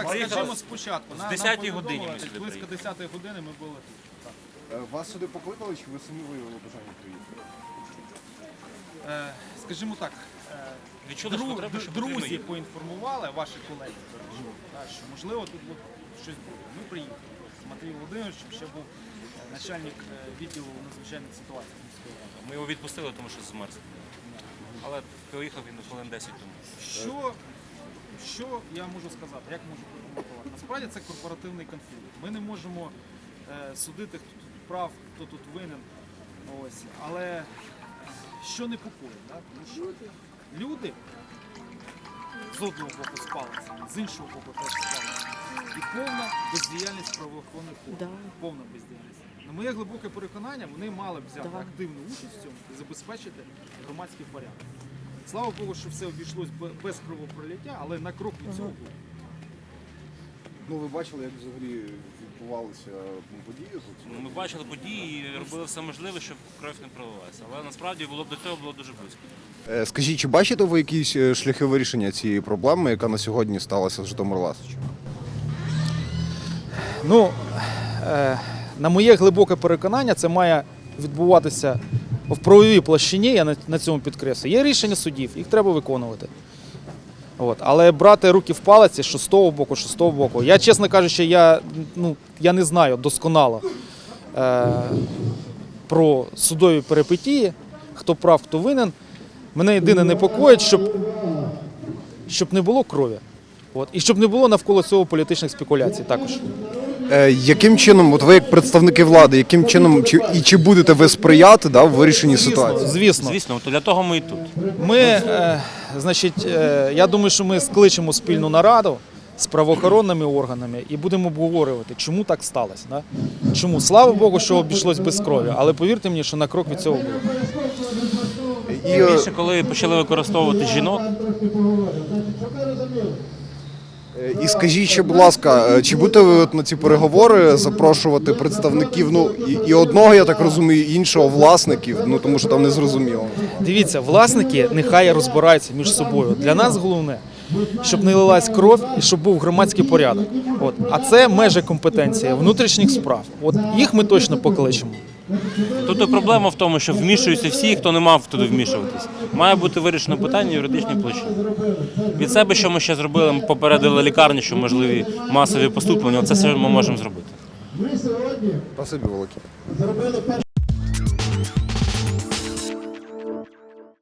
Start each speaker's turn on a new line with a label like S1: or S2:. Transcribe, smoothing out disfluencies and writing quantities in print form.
S1: так, скажімо спочатку.
S2: З 10-й годині ми сюди
S1: близько
S2: приїхали.
S1: 10-ї години ми були тут.
S3: Вас сюди покликали, чи ви самі виявили бажання приїхати?
S1: Скажімо так,
S2: Відчули, що треба, що потрібно
S1: друзі
S2: їхати.
S1: поінформували, ваші колеги, що можливо тут щось буде. Ми приїхали з Матвієм Володимировичем, ще був начальник відділу надзвичайних ситуацій міської ради.
S2: Ми його відпустили, тому що змерз. Але приїхав він хвилин 10 тому.
S1: Що я можу сказати, як можу прокоментувати? Насправді це корпоративний конфлікт. Ми не можемо судити, хто тут прав, хто тут винен. Ось. Але що непокоїть? Да? Тому що люди з одного боку спалися, з іншого боку теж спалися. І повна бездіяльність правоохоронних органів. Повна бездіяльність. На моє глибоке переконання, вони мали б взяти активну участь в цьому і забезпечити громадський порядок. Слава Богу, що все обійшлось без кровопролиття, але на крок від цього було.
S3: Ну, ви бачили, як взагалі відбувалися події тут?
S2: Ми бачили події і робили все можливе, щоб кров не пролилася. Але насправді до цього було дуже близько.
S3: Скажіть, чи бачите ви якісь шляхи вирішення цієї проблеми, яка на сьогодні сталася з Житомир-Ласичем?
S1: Ну, на моє глибоке переконання, це має відбуватися в правовій площині, я на цьому підкреслюю. Є рішення судів, їх треба виконувати. От. Але брати руки в палиці, що з того боку. Я, чесно кажучи, я не знаю досконало про судові перипетії, хто прав, хто винен. Мене єдине непокоїть, щоб не було крові. От. І щоб не було навколо цього політичних спекуляцій також.
S3: Яким чином, от ви як представники влади, яким чином чи будете ви сприяти в вирішенні ситуації?
S1: Звісно.
S2: Звісно, для того ми і тут.
S1: Я думаю, що ми скличемо спільну нараду з правоохоронними органами і будемо обговорювати, чому так сталося. Да? Чому? Слава Богу, що обійшлось без крові, але повірте мені, що на крок від цього було.
S2: Тим більше, коли почали використовувати жінок.
S3: І скажіть ще, будь ласка, чи будете ви на ці переговори запрошувати представників, і одного, я так розумію, і іншого власників, тому що там не зрозуміло.
S1: Дивіться, власники нехай розбираються між собою. Для нас головне, щоб не лилась кров і щоб був громадський порядок. От. А це межі компетенції внутрішніх справ. От їх ми точно покличемо.
S2: Тут і проблема в тому, що вмішуються всі, хто не мав туди вмішуватись. Має бути вирішено питання юридичній площині. Від себе, що ми ще зробили, ми попередили лікарні, що можливі масові поступлення, це все ми можемо зробити.
S3: Спасибі велике.